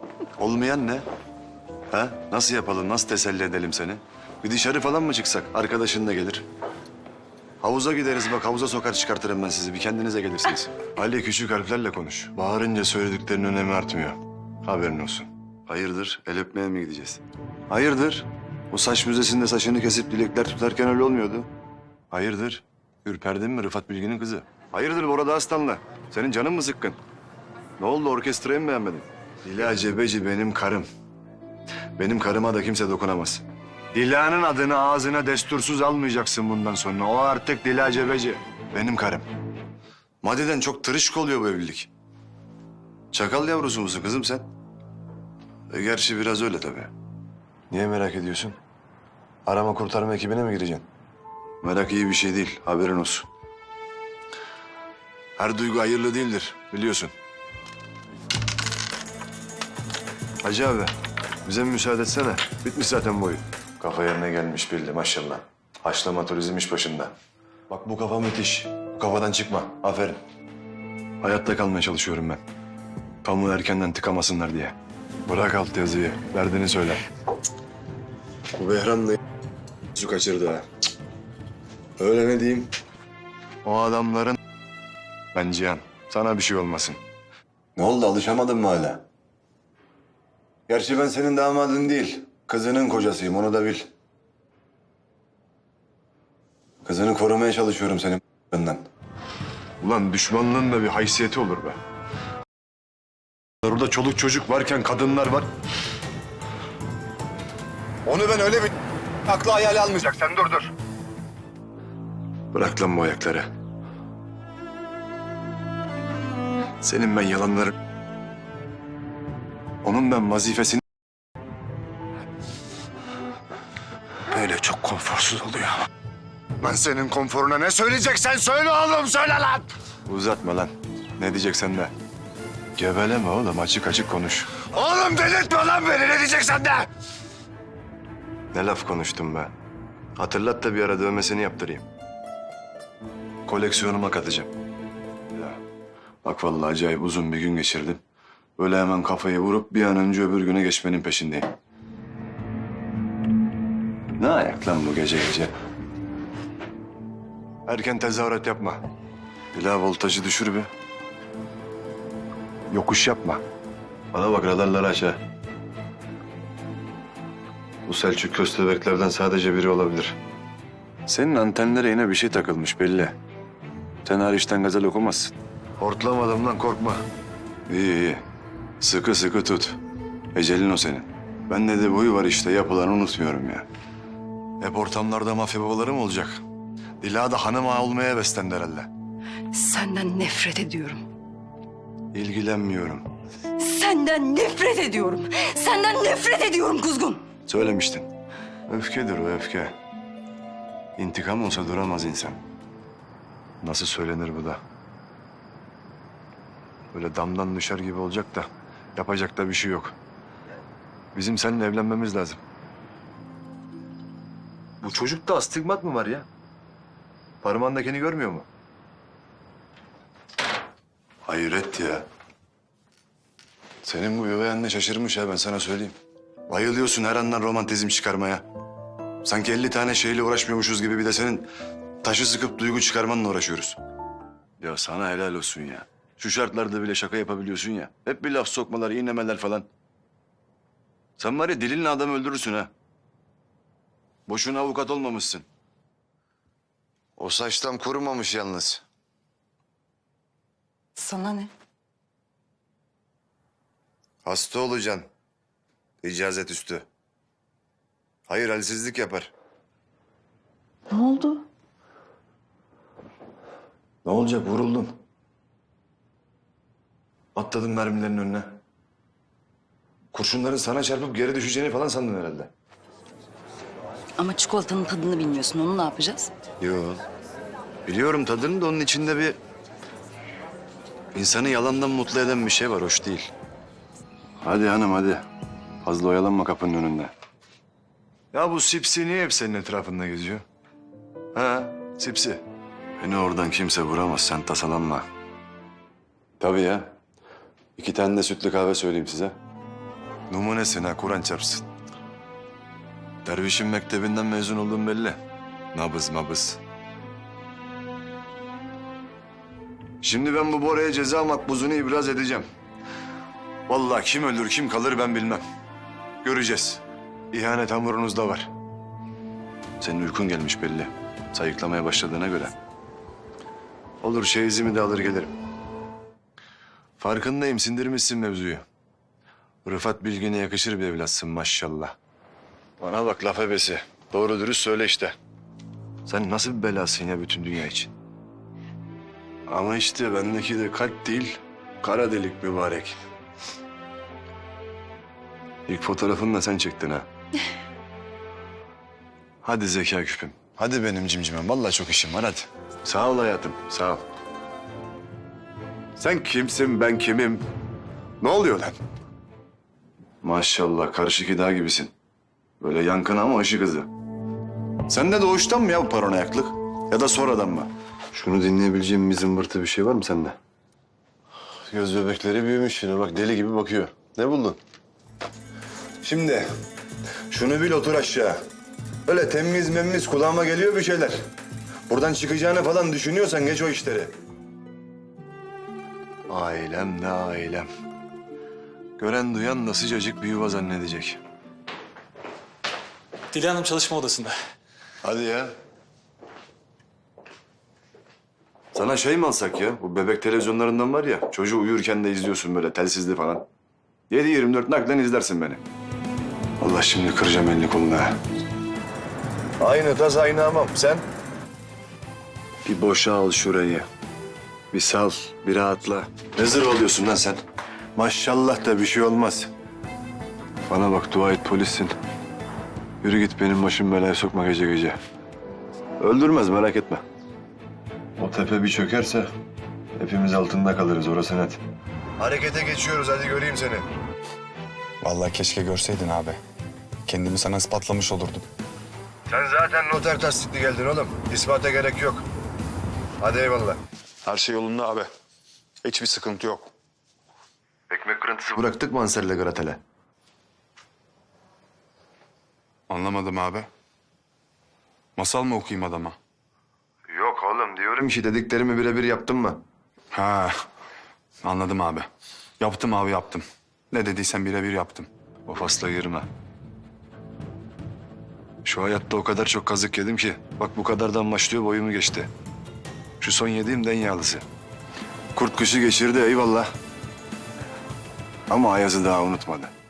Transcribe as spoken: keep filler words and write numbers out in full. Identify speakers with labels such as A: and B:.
A: Olmayan ne? Ha? Nasıl yapalım, nasıl teselli edelim seni? Bir dışarı falan mı çıksak? Arkadaşın da gelir. Havuza gideriz bak, havuza sokar çıkartırım ben sizi. Bir kendinize gelirsiniz. Ali küçük harflerle konuş. Bağırınca söylediklerinin önemi artmıyor. Haberin olsun. Hayırdır? El öpmeye mi gideceğiz? Hayırdır? O saç müzesinde saçını kesip dilekler tutarken öyle olmuyordu. Hayırdır? Ürperdin mi Rıfat Bilgin'in kızı? Hayırdır Bora Aslan'la? Senin canın mı sıkkın? Ne oldu, orkestrayı mı beğenmedin? Dila Cebeci benim karım. Benim karıma da kimse dokunamaz. Dila'nın adını ağzına destursuz almayacaksın bundan sonra. O artık Dila Cebeci. Benim karım. Maddeden çok tırışık oluyor bu evlilik. Çakal yavrusu musun kızım sen? E, gerçi biraz öyle tabii. Niye merak ediyorsun? Arama kurtarma ekibine mi gireceksin? Merak iyi bir şey değil, haberin olsun. Her duygu hayırlı değildir, biliyorsun. Hacı abi, bize mi müsaade etsene? Bitmiş zaten bu oyun. Kafa yerine gelmiş belli maşallah. Haşlama turizm iş başında. Bak bu kafa müthiş. Bu kafadan çıkma. Aferin. Hayatta kalmaya çalışıyorum ben. Pamuğu erkenden tıkamasınlar diye. Bırak alt yazıyı. Derdini söyle. Bu Behram da su kaçırdı ha. Öyle ne diyeyim? O adamların... Ben Cihan. Sana bir şey olmasın. Ne oldu? Alışamadın mı hala? Gerçi ben senin damadın değil. Kızının kocasıyım. Onu da bil. Kızını korumaya çalışıyorum senin b***ından. Ulan düşmanlığın da bir haysiyeti olur be. Orada çoluk çocuk varken kadınlar var. Onu ben öyle bir aklı hayal almayacak. Sen dur dur. Bırak lan bu ayakları. Senin ben yalanları... Onun ben vazifesini... Böyle çok konforsuz oluyor. Ben senin konforuna ne söyleyeceksen söyle oğlum, söyle lan! Uzatma lan. Ne diyeceksen de. Geveleme oğlum, açık açık konuş. Oğlum delirtme lan beni, ne diyeceksen de! Ne laf konuştum be. Hatırlat da bir ara dövmesini yaptırayım. Koleksiyonuma katacağım. Ya, bak vallahi acayip uzun bir gün geçirdim. Böyle hemen kafayı vurup bir an önce öbür güne geçmenin peşindeyim. Ne ayak lan bu gece gece? Erken tezahürat yapma. Bila voltajı düşür bir. Yokuş yapma. Bana bak, radarları aç ha. Bu Selçuk köstebeklerden sadece biri olabilir. Senin antenlere yine bir şey takılmış belli. Sen hariçten gazel okumazsın. Hortlamadım lan, korkma. İyi iyi. Sıkı sıkı tut. Ecelin o senin. Bende de boyu var işte, yapılanı unutmuyorum ya. Hep ortamlarda mafya babaları mı olacak? Dila da hanım ağa olmaya beslendi herhalde.
B: Senden nefret ediyorum.
A: İlgilenmiyorum.
B: Senden nefret ediyorum. Senden nefret ediyorum kuzgun.
A: Söylemiştin. Öfkedir o, öfke. İntikam olsa duramaz insan. Nasıl söylenir bu da? Böyle damdan düşer gibi olacak da yapacak da bir şey yok. Bizim seninle evlenmemiz lazım. Bu çocukta astigmat mı var ya? Parmağındakini görmüyor mu? Hayret ya. Senin bu üvey anne şaşırmış ha, ben sana söyleyeyim. Bayılıyorsun her andan romantizm çıkarmaya. Sanki elli tane şeyle uğraşmıyormuşuz gibi bir de senin taşı sıkıp duygu çıkarmanla uğraşıyoruz. Ya sana helal olsun ya. Şu şartlarda bile şaka yapabiliyorsun ya. Hep bir laf sokmalar, iğnemeler falan. Sen var ya dilinle adamı öldürürsün ha. Boşuna avukat olmamışsın. O saç tam kurumamış yalnız.
B: Sana ne?
A: Hasta olacaksın. İcazet üstü. Hayır, halsizlik yapar.
B: Ne oldu?
A: Ne olacak, vuruldun. Atladın mermilerin önüne. Kurşunların sana çarpıp geri düşeceğini falan sandın herhalde.
B: Ama çikolatanın tadını bilmiyorsun. Onu ne yapacağız?
A: Yok. Biliyorum tadını da onun içinde bir... insanı yalandan mutlu eden bir şey var, hoş değil. Hadi hanım hadi. Fazla oyalanma kapının önünde. Ya bu Sipsi niye hep senin etrafında geziyor? Ha, Sipsi. Beni oradan kimse vuramaz, sen tasalanma. Tabii ya. İki tane de sütlü kahve söyleyeyim size. Numunesin ha, Kur'an çarpsın. Dervişin mektebinden mezun olduğum belli. Nabız mabız. Şimdi ben bu Bora'ya ceza makbuzunu ibraz edeceğim. Vallahi kim ölür kim kalır ben bilmem. Göreceğiz. İhanet hamurunuzda var. Senin uykun gelmiş belli. Sayıklamaya başladığına göre. Olur çeyizimi de alır gelirim. Farkındayım, sindirmişsin mevzuyu. Rıfat Bilgin'e yakışır bir evlatsın maşallah. Bana bak laf ebesi. Doğru dürüst söyle işte. Sen nasıl bir belasın ya bütün dünya için? Ama işte bendeki de kalp değil, kara delik mübarek. İlk fotoğrafını da sen çektin ha. Hadi zeka küpüm. Hadi benim cimcimem. Vallahi çok işim var hadi. Sağ ol hayatım, sağ ol. Sen kimsin, ben kimim? Ne oluyor lan? Maşallah karışık dağ gibisin. Böyle yankın ama ışık hızı. Sen de doğuştan mı ya bu paranoyaklık? Ya da sonradan mı? Şunu dinleyebileceğim bir zımbırtı bir şey var mı sende? Göz bebekleri büyümüş yine bak deli gibi bakıyor. Ne buldun? Şimdi şunu bil otur aşağı. Öyle temiz memmiz kulağıma geliyor bir şeyler. Buradan çıkacağını falan düşünüyorsan geç o işleri. Ailem ne ailem. Gören duyan da sıcacık bir yuva zannedecek.
C: Dila Hanım çalışma odasında.
A: Hadi ya. Sana şey mi alsak ya? Bu bebek televizyonlarından var ya. Çocuğu uyurken de izliyorsun böyle telsizli falan. yedi yirmi dört naklen izlersin beni. Allah şimdi kıracağım elini kolunu ha. Aynı tas aynı hamam. Sen? Bir boşa al şurayı. Bir sal, bir rahatla. Ne zırh oluyorsun lan sen? Maşallah da bir şey olmaz. Bana bak dua et polissin. Yürü git benim başım belaya sokma gece gece. Öldürmez merak etme. O tepe bir çökerse hepimiz altında kalırız orası net. Harekete geçiyoruz hadi göreyim seni.
D: Vallahi keşke görseydin abi. Kendimi sana ispatlamış olurdum.
A: Sen zaten noter tasdikli geldin oğlum. İspata gerek yok. Hadi eyvallah.
D: Her şey yolunda abi. Hiçbir sıkıntı yok.
A: Ekmek kırıntısı bıraktık mı Ansel'le Gratel'e?
D: Anlamadım abi. Masal mı okuyayım adama?
A: Yok oğlum diyorum ki dediklerimi birebir yaptın mı?
D: Ha, anladım abi. Yaptım abi yaptım. Ne dediysen birebir yaptım.
A: O fasla girme. Şu hayatta o kadar çok kazık yedim ki. Bak bu kadardan başlıyor boyumu geçti. Şu son yediğim den yağlısı. Kurt kışı geçirdi eyvallah. Ama Ayaz'ı daha unutmadı.